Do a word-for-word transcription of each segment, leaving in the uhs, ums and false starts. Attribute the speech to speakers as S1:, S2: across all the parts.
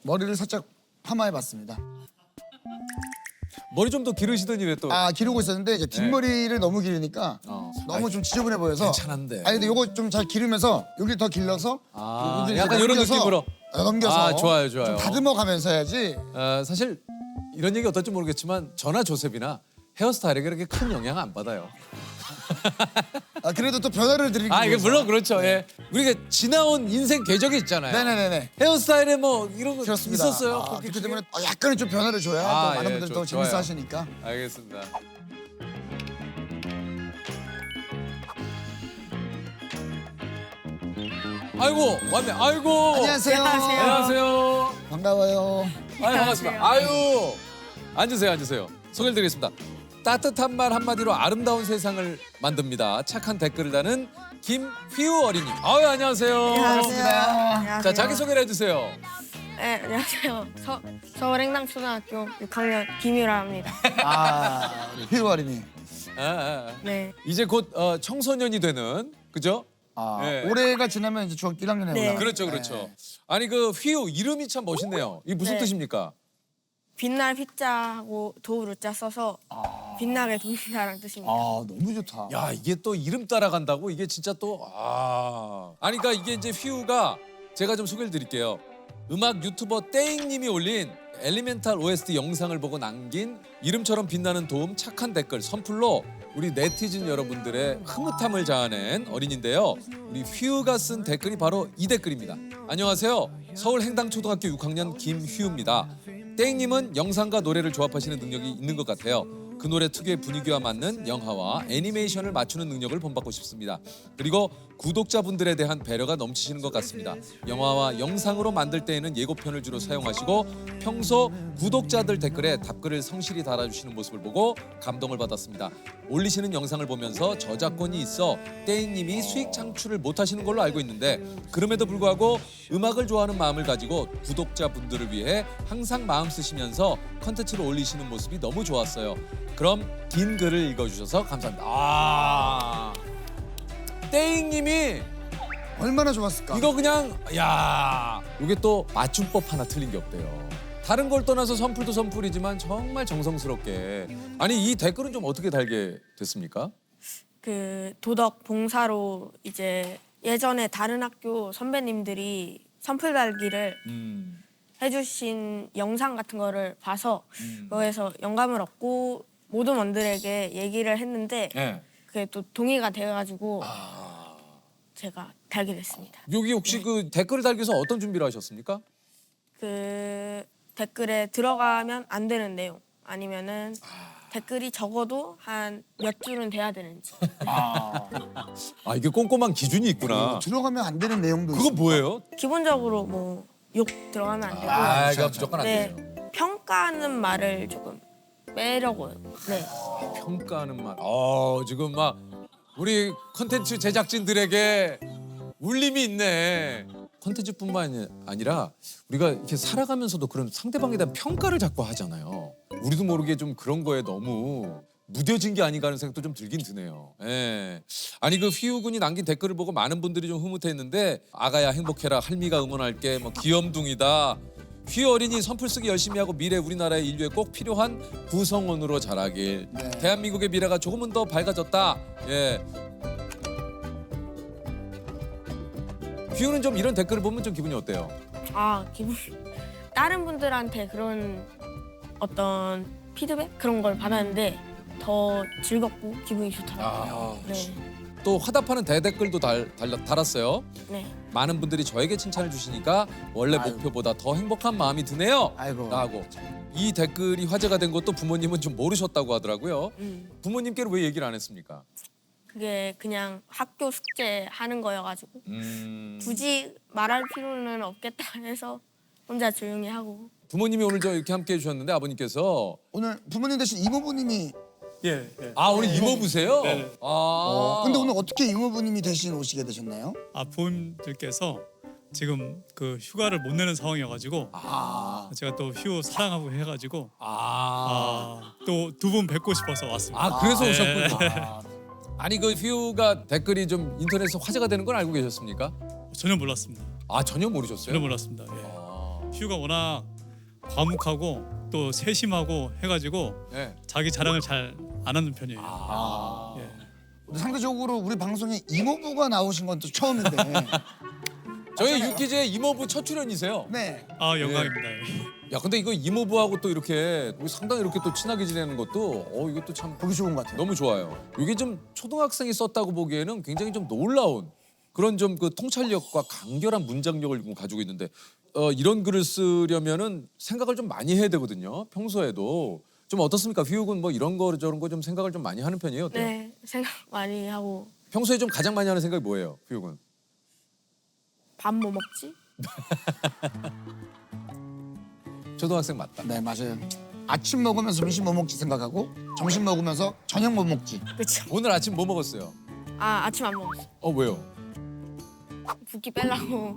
S1: 머리를 살짝 파마해봤습니다.
S2: 머리 좀 더 기르시더니 왜 또?
S1: 아 기르고 있었는데 이제 뒷머리를 너무 기르니까
S2: 어.
S1: 너무 좀 지저분해 보여서.
S2: 괜찮은데.
S1: 아니 근데 요거 좀 잘 기르면서 여기 더 길러서.
S2: 아,
S1: 여기를
S2: 약간
S1: 이제
S2: 이런
S1: 넘겨서,
S2: 느낌으로.
S1: 어, 넘겨서.
S2: 아, 좋아요, 좋아요.
S1: 좀 다듬어가면서 해야지.
S2: 어, 사실 이런 얘기 어떨지 모르겠지만 저나 조셉이나 헤어스타일에게 그렇게 큰 영향 안 받아요.
S1: 아 그래도 또 변화를 드리기
S2: 아, 이게
S1: 위해서.
S2: 물론 그렇죠. 예. 우리가 지나온 인생 궤적이 있잖아요.
S1: 네네네네.
S2: 헤어스타일에 뭐 이런 거
S1: 그렇습니다.
S2: 있었어요.
S1: 아,
S2: 그렇게
S1: 그렇기
S2: 중에?
S1: 때문에 어, 약간은 좀 변화를 줘야
S2: 아,
S1: 또 많은
S2: 예,
S1: 분들이
S2: 좋-
S1: 더 재밌어
S2: 좋아요.
S1: 하시니까.
S2: 알겠습니다. 아이고 왔네. 아이고.
S1: 안녕하세요.
S2: 안녕하세요.
S1: 반가워요.
S2: 아유 반갑습니다. 아유 앉으세요, 앉으세요. 소개를 드리겠습니다. 따뜻한 말 한마디로 아름다운 세상을 만듭니다. 착한 댓글을 다는 김휘우 어린이. 아유 안녕하세요.
S1: 반갑습니다.
S2: 자 자기 소개를 해주세요.
S3: 네, 안녕하세요. 서, 서울행당초등학교 육 학년 김유라 합니다.
S1: 아 우리 휘우 어린이.
S2: 아, 아, 아.
S3: 네.
S2: 이제 곧 어, 청소년이 되는 그죠?
S1: 아
S2: 네.
S1: 올해가 지나면 이제 중학교 일 학년에
S3: 네.
S1: 올라.
S2: 그렇죠, 그렇죠. 아니 그 휘우 이름이 참 멋있네요. 이게 무슨
S3: 네.
S2: 뜻입니까?
S3: 빛날 휘자하고 도우루자 써서 빛나게 돕는다라는 뜻입니다.
S1: 아 너무 좋다.
S2: 야 이게 또 이름 따라간다고 이게 진짜 또 아. 아니 그러니까 이게 이제 휘우가 제가 좀 소개를 드릴게요. 음악 유튜버 떼잉님이 올린 엘리멘탈 오에스티 영상을 보고 남긴 이름처럼 빛나는 도움 착한 댓글 선플로 우리 네티즌 여러분들의 흐뭇함을 자아낸 어린인데요. 우리 휘우가 쓴 댓글이 바로 이 댓글입니다. 안녕하세요. 서울 행당초등학교 육 학년 김휘우입니다. 땡님은 영상과 노래를 조합하시는 능력이 있는 것 같아요. 그 노래 특유의 분위기와 맞는 영화와 애니메이션을 맞추는 능력을 본받고 싶습니다. 그리고 구독자분들에 대한 배려가 넘치시는 것 같습니다. 영화와 영상으로 만들 때에는 예고편을 주로 사용하시고 평소 구독자들 댓글에 답글을 성실히 달아주시는 모습을 보고 감동을 받았습니다. 올리시는 영상을 보면서 저작권이 있어 떼인님이 수익 창출을 못하시는 걸로 알고 있는데 그럼에도 불구하고 음악을 좋아하는 마음을 가지고 구독자분들을 위해 항상 마음 쓰시면서 컨텐츠를 올리시는 모습이 너무 좋았어요. 그럼 긴 글을 읽어주셔서 감사합니다. 아, 떼잉님이
S1: 얼마나 좋았을까.
S2: 이거 그냥 야 이게 또 맞춤법 하나 틀린 게 없대요. 다른 걸 떠나서 선풀도 선풀이지만 정말 정성스럽게 아니 이 댓글은 좀 어떻게 달게 됐습니까?
S3: 그 도덕 봉사로 이제 예전에 다른 학교 선배님들이 선풀 달기를
S2: 음,
S3: 해주신 영상 같은 거를 봐서
S2: 음.
S3: 거기서 영감을 얻고 모든 원들에게 얘기를 했는데
S2: 네.
S3: 그게 또 동의가 돼가지고
S2: 아,
S3: 제가 달게 됐습니다.
S2: 여기 혹시 그 댓글을 달기 위해서 어떤 준비를 하셨습니까?
S3: 그 댓글에 들어가면 안 되는 내용 아니면은 댓글이 적어도 한 몇 줄은 돼야 되는지.
S1: 아,
S2: 아 이게 꼼꼼한 기준이 있구나.
S1: 들어가면 안 되는 내용도
S2: 그건 뭐예요?
S3: 기본적으로 뭐 욕 들어가면 안 되고
S2: 아,
S1: 그렇죠,
S2: 이거 무조건 안
S3: 네
S2: 돼요.
S3: 평가하는 말을 조금 빼려고요. 네.
S2: 평가하는 말. 어 지금 막 우리 컨텐츠 제작진들에게 울림이 있네. 컨텐츠뿐만 아니라 우리가 이렇게 살아가면서도 그런 상대방에 대한 평가를 자꾸 하잖아요. 우리도 모르게 좀 그런 거에 너무 무뎌진 게 아닌가 하는 생각도 좀 들긴 드네요. 예. 아니 그 휘우 군이 남긴 댓글을 보고 많은 분들이 좀 흐뭇해했는데 아가야 행복해라 할미가 응원할게 뭐 귀염둥이다. 휘우 어린이 선풀 쓰기 열심히 하고 미래 우리나라의 인류에 꼭 필요한 구성원으로 자라길.
S1: 네.
S2: 대한민국의 미래가 조금은 더 밝아졌다. 예. 휘우는 좀 이런 댓글을 보면 좀 기분이 어때요?
S3: 아 기분 다른 분들한테 그런 어떤 피드백 그런 걸 받았는데 더 즐겁고 기분이 좋더라고요.
S2: 아,
S3: 네.
S2: 또 화답하는 대댓글도 달, 달, 달았어요.
S3: 네.
S2: 많은 분들이 저에게 칭찬을 주시니까 원래
S1: 아유.
S2: 목표보다 더 행복한 마음이 드네요.
S1: 아이고.
S2: 라고. 이 댓글이 화제가 된 것도 부모님은 좀 모르셨다고 하더라고요.
S3: 음.
S2: 부모님께는 왜 얘기를 안 했습니까?
S3: 그게 그냥 학교 숙제 하는 거여가지고
S2: 음...
S3: 굳이 말할 필요는 없겠다 해서 혼자 조용히 하고.
S2: 부모님이 오늘 저 이렇게 함께 해주셨는데 아버님께서
S1: 오늘 부모님 대신 이모부님이.
S4: 예, 예.
S2: 아 오늘 이모부세요?
S4: 네.
S2: 아.
S1: 어, 근데 오늘 어떻게 이모부님이 대신 오시게 되셨나요?
S4: 아 부모님들께서 지금 그 휴가를 못 내는 상황이어가지고
S2: 아.
S4: 제가 또 휴 사랑하고 해가지고
S2: 아.
S4: 아, 또 두 분 뵙고 싶어서 왔습니다.
S2: 아 그래서
S4: 네.
S2: 오셨군요. 아니 그 휘우가 댓글이 좀 인터넷에서 화제가 되는 건 알고 계셨습니까?
S4: 전혀 몰랐습니다.
S2: 아 전혀 모르셨어요?
S4: 전혀 몰랐습니다. 예.
S2: 아.
S4: 휘우가 워낙 과묵하고 또 세심하고 해가지고
S2: 예.
S4: 자기 자랑을 잘 안 하는 편이에요.
S2: 아.
S4: 예.
S1: 상대적으로 우리 방송에 이모부가 나오신 건 또 처음인데.
S2: 저희
S1: 맞잖아요.
S2: 유키즈의 이모부 첫 출연이세요.
S1: 네.
S4: 아 영광입니다. 예.
S2: 야 근데 이거 이모부하고 또 이렇게 상당히 이렇게 또 친하게 지내는 것도 어 이것도 참
S1: 보기 좋은 것 같아요.
S2: 너무 좋아요. 이게 좀 초등학생이 썼다고 보기에는 굉장히 좀 놀라운 그런 좀 그 통찰력과 간결한 문장력을 좀 가지고 있는데 어, 이런 글을 쓰려면은 생각을 좀 많이 해야 되거든요. 평소에도 좀 어떻습니까? 휘욱은 뭐 이런 거 저런 거 좀 생각을 좀 많이 하는 편이에요. 어때요?
S3: 네, 생각 많이 하고
S2: 평소에 좀 가장 많이 하는 생각이 뭐예요, 휘욱은?
S3: 밥 뭐 먹지?
S2: 초등학생 맞다.
S1: 네, 맞아요. 아침 먹으면서 점심 뭐 먹지 생각하고 점심 먹으면서 저녁 뭐 먹지.
S3: 그렇죠.
S2: 오늘 아침 뭐 먹었어요?
S3: 아 아침 안 먹었어.
S2: 어 왜요?
S3: 붓기 빼려고.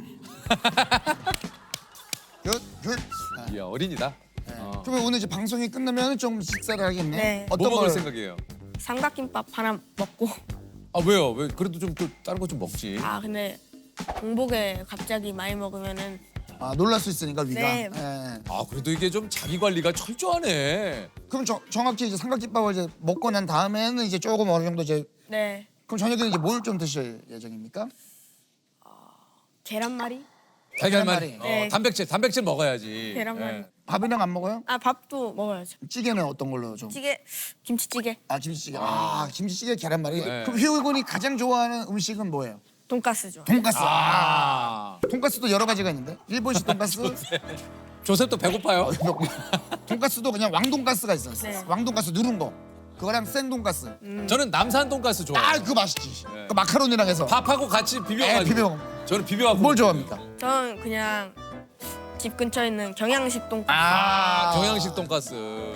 S1: 굿, 굿. 네.
S2: 이야 어린이다. 어.
S1: 그러면 오늘 이제 방송이 끝나면 좀 식사를 하겠네.
S3: 네.
S2: 뭐
S1: 어떤
S2: 먹을
S1: 걸?
S2: 생각이에요?
S3: 삼각김밥 하나 먹고.
S2: 아 왜요? 왜 그래도 좀 또 다른 거 좀 먹지.
S3: 아 근데 공복에 갑자기 많이 먹으면은
S1: 아, 놀랄 수 있으니까 위가.
S3: 네.
S1: 네.
S2: 아 그래도 이게 좀 자기 관리가 철저하네.
S1: 그럼 저, 정확히 이제 삼각김밥을 이제 먹고 난 다음에는 이제 조금 어느 정도 이제
S3: 네
S1: 그럼 저녁에는 이제 뭘 좀 드실 예정입니까?
S3: 계란말이?
S2: 달걀말이.
S1: 계란말이.
S2: 어,
S3: 네.
S2: 단백질, 단백질 먹어야지.
S3: 계란말이.
S2: 예.
S1: 밥이랑 안 먹어요?
S3: 아 밥도 먹어야죠.
S1: 찌개는 어떤 걸로 좀?
S3: 찌개, 김치찌개,
S1: 아, 김치찌개. 아, 김치찌개 계란말이.
S2: 네.
S1: 그럼 희우군이 가장 좋아하는 음식은 뭐예요?
S3: 돈가스 좋아.
S1: 돈가스.
S2: 아
S1: 아. 돈가스도 여러 가지가 있는데 일본식 돈가스.
S2: 조셉도 배고파요.
S1: 돈가스도 그냥 왕돈가스가 있어요.
S3: 네.
S1: 왕돈가스 누른 거. 그거랑 생돈가스.
S2: 저는 남산 돈가스 좋아해요.
S1: 아, 그거 맛있지.
S2: 네.
S1: 그 마카로니랑 해서.
S2: 밥하고 같이
S1: 에,
S2: 비벼가지고.
S1: 비벼 먹.
S2: 저는 비벼갖고.
S1: 뭘
S2: 먹어요.
S1: 좋아합니까?
S3: 저는 그냥 집 근처에 있는 경양식 돈가스.
S2: 아 경양식 돈가스.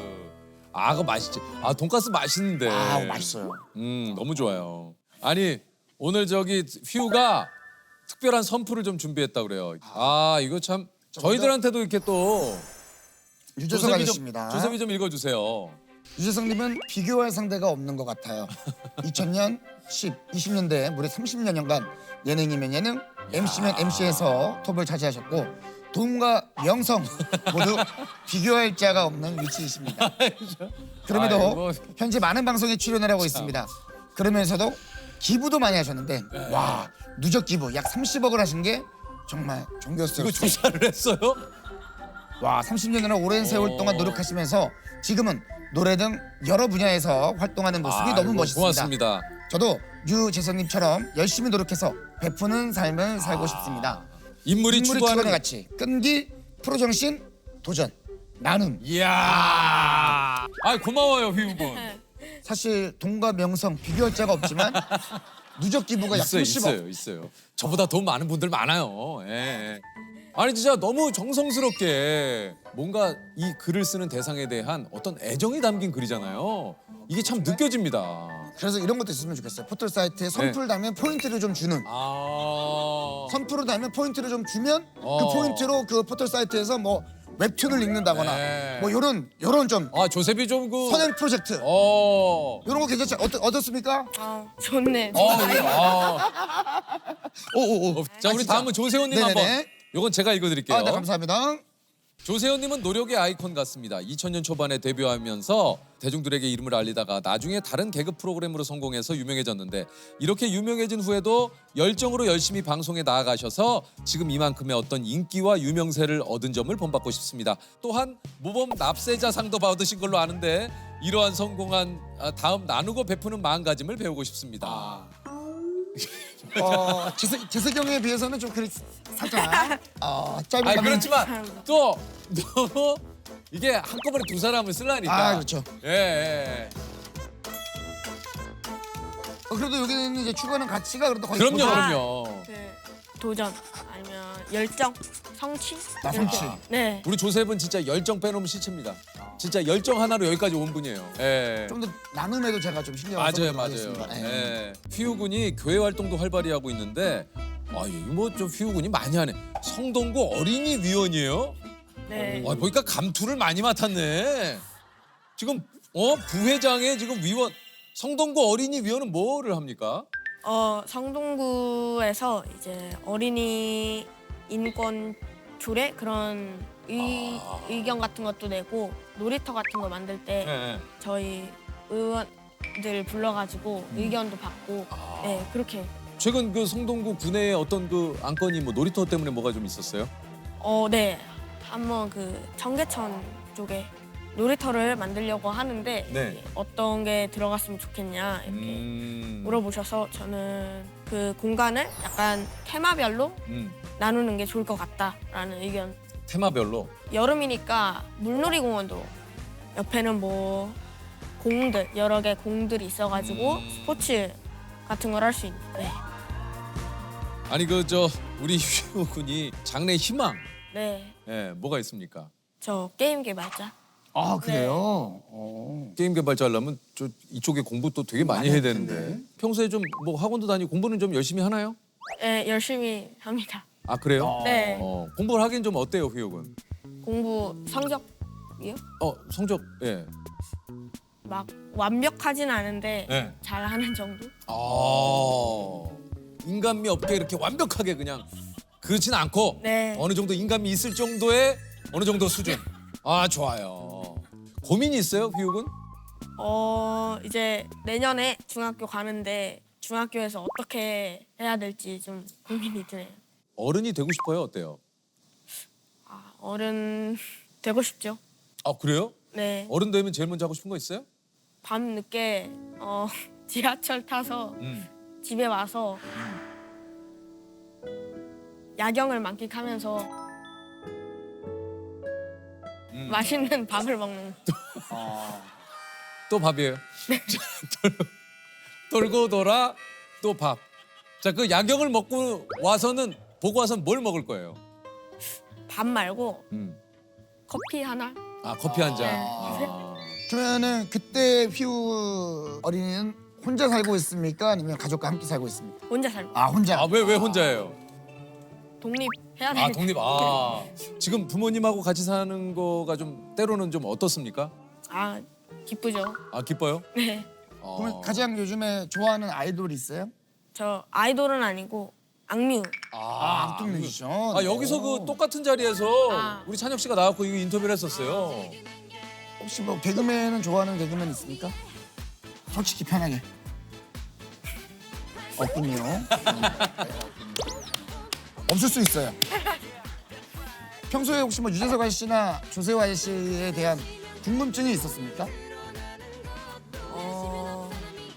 S2: 아 그거 맛있지. 아 돈가스 맛있는데.
S1: 아, 맛있어요.
S2: 음 너무 좋아요. 아니 오늘 저기 휘우가 특별한 선풀을 좀 준비했다 그래요. 아 이거 참 저희들한테도 이렇게 또
S1: 유재석
S2: 조셉이
S1: 아저씨입니다.
S2: 좀 조셉이 좀 읽어주세요.
S1: 유재석님은 비교할 상대가 없는 것 같아요. 이천 년, 십, 이십 년대 무려 삼십 년간 예능이면 예능, 엠씨면 엠씨에서 톱을 차지하셨고 돈과 명성 모두 비교할 자가 없는 위치이십니다. 그럼에도
S2: 아이고.
S1: 현재 많은 방송에 출연을 하고 있습니다. 그러면서도 기부도 많이 하셨는데 와 누적 기부 약 삼십억을 하신 게 정말
S2: 이거
S1: 존경스럽습니다.
S2: 조사를 했어요?
S1: 와 삼십 년이나 오랜 세월
S2: 오.
S1: 동안 노력하시면서 지금은 노래 등 여러 분야에서 활동하는 모습이 너무
S2: 아이고,
S1: 멋있습니다.
S2: 고맙습니다.
S1: 저도 유재석님처럼 열심히 노력해서 베푸는 삶을 살고 싶습니다.
S2: 인물이,
S1: 인물이
S2: 추구하는
S1: 추구하는 가치, 끈기, 프로정신, 도전, 나눔.
S2: 이야. 아 고마워요 휘우군.
S1: 사실 돈과 명성 비교할 자가 없지만 누적 기부가 약
S2: 있어요,
S1: 삼십억.
S2: 있어요, 있어요. 저보다 돈 많은 분들 많아요. 예, 예. 아니 진짜 너무 정성스럽게 뭔가 이 글을 쓰는 대상에 대한 어떤 애정이 담긴 글이잖아요. 이게 참 느껴집니다.
S1: 그래서 이런 것도 있으면 좋겠어요. 포털 사이트에 선풀 달면 포인트를 좀 주는.
S2: 아,
S1: 선풀을 달면 포인트를 좀 주면
S2: 어.
S1: 그 포인트로 그 포털 사이트에서 뭐 웹툰을 읽는다거나
S2: 네.
S1: 뭐 요런 요런 좀
S2: 아 조셉이 좀 그.
S1: 선행 프로젝트
S2: 어.
S1: 요런 거 괜찮죠? 어떠, 어떻습니까?
S3: 아 좋네.
S2: 어, 그래요? 아.
S1: 오오오.
S2: 자 우리 다음은 조세호님
S1: 네네네.
S2: 한번. 요건 제가 읽어드릴게요.
S1: 아, 네, 감사합니다.
S2: 조세호님은 노력의 아이콘 같습니다. 이천 년 초반에 데뷔하면서 대중들에게 이름을 알리다가 나중에 다른 개그 프로그램으로 성공해서 유명해졌는데 이렇게 유명해진 후에도 열정으로 열심히 방송에 나아가셔서 지금 이만큼의 어떤 인기와 유명세를 얻은 점을 본받고 싶습니다. 또한 모범 납세자상도 받으신 걸로 아는데 이러한 성공한 아, 다음 나누고 베푸는 마음가짐을 배우고 싶습니다.
S1: 어, 재석, 재석이 형에 비해서는 좀 그리 살짝 어, 짧은
S2: 아니
S1: 감이-
S2: 그렇지만 또 너무 이게 한꺼번에 두 사람을 쓰려니까.
S1: 아, 그렇죠.
S2: 예. 예.
S1: 어, 그래도 여기는 이제 추구하는 가치가 그래도 거의
S2: 그럼요,
S1: 도전.
S2: 그럼요.
S3: 그 도전 아니면 열정, 성취.
S1: 나 성취.
S3: 이렇게. 네.
S2: 우리 조셉은 진짜 열정 빼놓으면 시체입니다. 진짜 열정 하나로 여기까지 온 분이에요. 예.
S1: 좀 더 나눔에도 제가 좀 신경을
S2: 맞아요,
S1: 써보도록
S2: 맞아요.
S1: 하겠습니다. 예.
S2: 예. 휘우군이 교회 활동도 활발히 하고 있는데, 아, 뭐좀 휘우군이 많이 하네. 성동구 어린이 위원이에요?
S3: 네.
S2: 아, 보니까 감투를 많이 맡았네. 지금 어 부회장의 지금 위원 성동구 어린이 위원은 뭐를 합니까?
S3: 어 성동구에서 이제 어린이 인권 조례 그런 의,
S2: 아.
S3: 의견 같은 것도 내고 놀이터 같은 거 만들 때
S2: 네.
S3: 저희 의원들 불러가지고
S2: 음.
S3: 의견도 받고
S2: 아.
S3: 네 그렇게
S2: 최근 그 성동구 구내에 어떤 그 안건이 뭐 놀이터 때문에 뭐가 좀 있었어요?
S3: 어 네 한번 그 청계천 쪽에 놀이터를 만들려고 하는데
S2: 네.
S3: 어떤 게 들어갔으면 좋겠냐 이렇게
S2: 음.
S3: 물어보셔서 저는 그 공간을 약간 테마별로
S2: 음.
S3: 나누는 게 좋을 것 같다라는 의견.
S2: 테마별로.
S3: 여름이니까 물놀이공원도 옆에는 뭐 공들 여러 개 공들이 있어가지고
S2: 음.
S3: 스포츠 같은 걸 할 수 있는. 네.
S2: 아니 그 저 우리 휘우 군이 장래 희망
S3: 네.
S2: 예, 뭐가 있습니까?
S3: 저 게임 개발자.
S1: 아 그래요? 어.
S2: 게임 개발자 하려면 저 이쪽에 공부 또 되게 많이
S1: 많이
S2: 해야
S1: 할
S2: 되는데
S1: 텐데.
S2: 평소에 좀 뭐 학원도 다니고 공부는 좀 열심히 하나요?
S3: 네 열심히 합니다.
S2: 아 그래요?
S3: 네.
S2: 어, 공부를 하긴 좀 어때요, 휘우 군?
S3: 공부 성적이요?
S2: 어 성적 예.
S3: 막 완벽하진 않은데
S2: 네.
S3: 잘하는 정도?
S2: 아 인간미 없게 이렇게 완벽하게 그냥 그렇진 않고
S3: 네.
S2: 어느 정도 인간미 있을 정도의 어느 정도 수준. 아 좋아요. 고민이 있어요, 휘우 군?
S3: 어 이제 내년에 중학교 가는데 중학교에서 어떻게 해야 될지 좀 고민이 드네요.
S2: 어른이 되고 싶어요, 어때요?
S3: 아, 어른 되고 싶죠.
S2: 아 그래요?
S3: 네.
S2: 어른 되면 제일 먼저 하고 싶은 거 있어요?
S3: 밤 늦게 어, 지하철 타서
S2: 음.
S3: 집에 와서 야경을 만끽하면서
S2: 음.
S3: 맛있는 밥을 먹는.
S2: 또 밥이에요. 돌- 돌고 돌아 또 밥. 자, 그 야경을 먹고 와서는 보고 와서는 뭘 먹을 거예요?
S3: 밥 말고
S2: 음.
S3: 커피 하나.
S2: 아 커피 한 잔.
S3: 네.
S2: 아.
S1: 그러면은 그때 휘우 어린이는 혼자 살고 있습니까? 아니면 가족과 함께 살고 있습니까?
S3: 혼자 살고
S1: 아 혼자.
S2: 아 왜 왜 혼자예요?
S3: 독립해야 되니까.
S2: 아 독립. 아 지금 부모님하고 같이 사는 거가 좀 때로는 좀 어떻습니까?
S3: 아 기쁘죠.
S2: 아 기뻐요?
S3: 네.
S2: 어.
S1: 그러면 가장 요즘에 좋아하는 아이돌 있어요?
S3: 저 아이돌은 아니고 악뮤.
S1: 아 악동 뮤지션.
S2: 아 여기서 그 똑같은 자리에서
S3: 아.
S2: 우리 찬혁 씨가 나왔고 이거 인터뷰를 했었어요.
S1: 혹시 뭐 개그맨은 좋아하는 개그맨 있습니까? 솔직히 편하게. 없군요. 음, 네, 없군요. 없을 수 있어요. 평소에 혹시 뭐 유재석 아저씨나 조세호 아저씨에 대한 궁금증이 있었습니까?
S3: 어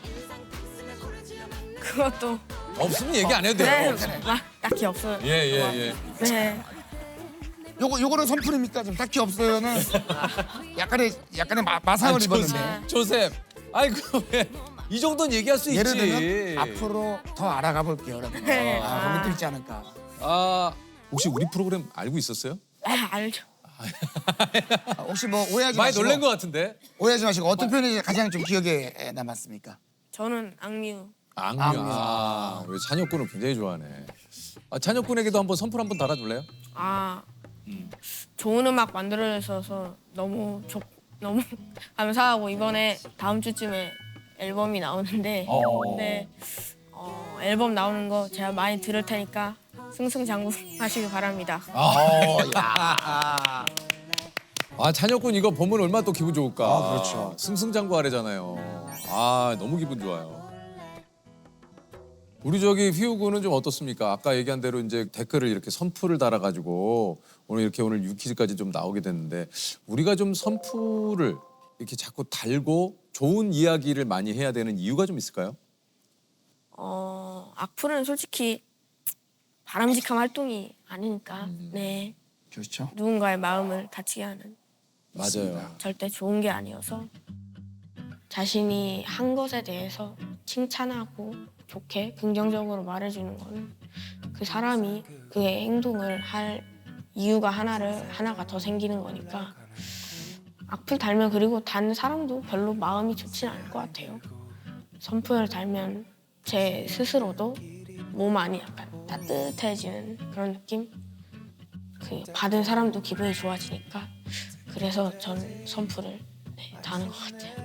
S3: 그것도
S2: 없으면 얘기 안 해도
S3: 네,
S2: 돼요.
S3: 막 딱히 없어요.
S2: 예예 예.
S3: 네.
S1: 요거 요거는 선풀입니까? 좀 딱히 없어요는 약간의 약간의 마, 마상을
S2: 아니,
S1: 입었는데.
S2: 조셉, 조셉. 아이고 왜 이 정도는 얘기할 수
S1: 예를
S2: 있지.
S1: 들면 앞으로 더 알아가 볼게요. 라든가.
S3: 네.
S1: 아, 거기 또 있지 않을까.
S2: 아 혹시 우리 프로그램 알고 있었어요?
S3: 아, 알죠.
S1: 아, 혹시 뭐 오해하지
S2: 많이
S1: 마시고
S2: 놀란 것 같은데.
S1: 오해하지 마시고 어떤 표현이 가장 좀 기억에 남았습니까?
S3: 저는 악뮤.
S2: 악뮤.
S1: 악뮤.
S2: 아, 왜 찬혁군을 굉장히 좋아하네. 아, 찬혁군에게도 한번 선풀 한번 달아줄래요?
S3: 아 좋은 음악 만들어 주셔서 너무 좋 너무 감사하고 이번에 다음 주쯤에 앨범이 나오는데
S2: 어.
S3: 네 어, 앨범 나오는 거 제가 많이 들을 테니까 승승장구하시길 바랍니다.
S1: 어, 야.
S2: 아 찬혁군 이거 보면 얼마나 또 기분 좋을까.
S1: 아, 그렇죠.
S2: 승승장구하래잖아요. 아 너무 기분 좋아요. 우리 저기 휘우군은 좀 어떻습니까? 아까 얘기한 대로 이제 댓글을 이렇게 선풀을 달아가지고 오늘 이렇게 오늘 유퀴즈까지 좀 나오게 됐는데 우리가 좀 선풀을 이렇게 자꾸 달고 좋은 이야기를 많이 해야 되는 이유가 좀 있을까요?
S3: 어 악플은 솔직히 바람직한 활동이 아니니까 네
S1: 그렇죠.
S3: 누군가의 마음을 다치게 하는
S2: 맞아요.
S3: 절대 좋은 게 아니어서 자신이 한 것에 대해서 칭찬하고 좋게 긍정적으로 말해주는 거는 그 사람이 그의 행동을 할 이유가 하나를 하나가 더 생기는 거니까 악플 달면 그리고 단 사람도 별로 마음이 좋진 않을 것 같아요. 선풀을 달면 제 스스로도 몸 안이 약간 따뜻해지는 그런 느낌? 그 받은 사람도 기분이 좋아지니까 그래서 전 선풀을 네, 다는 것 같아요.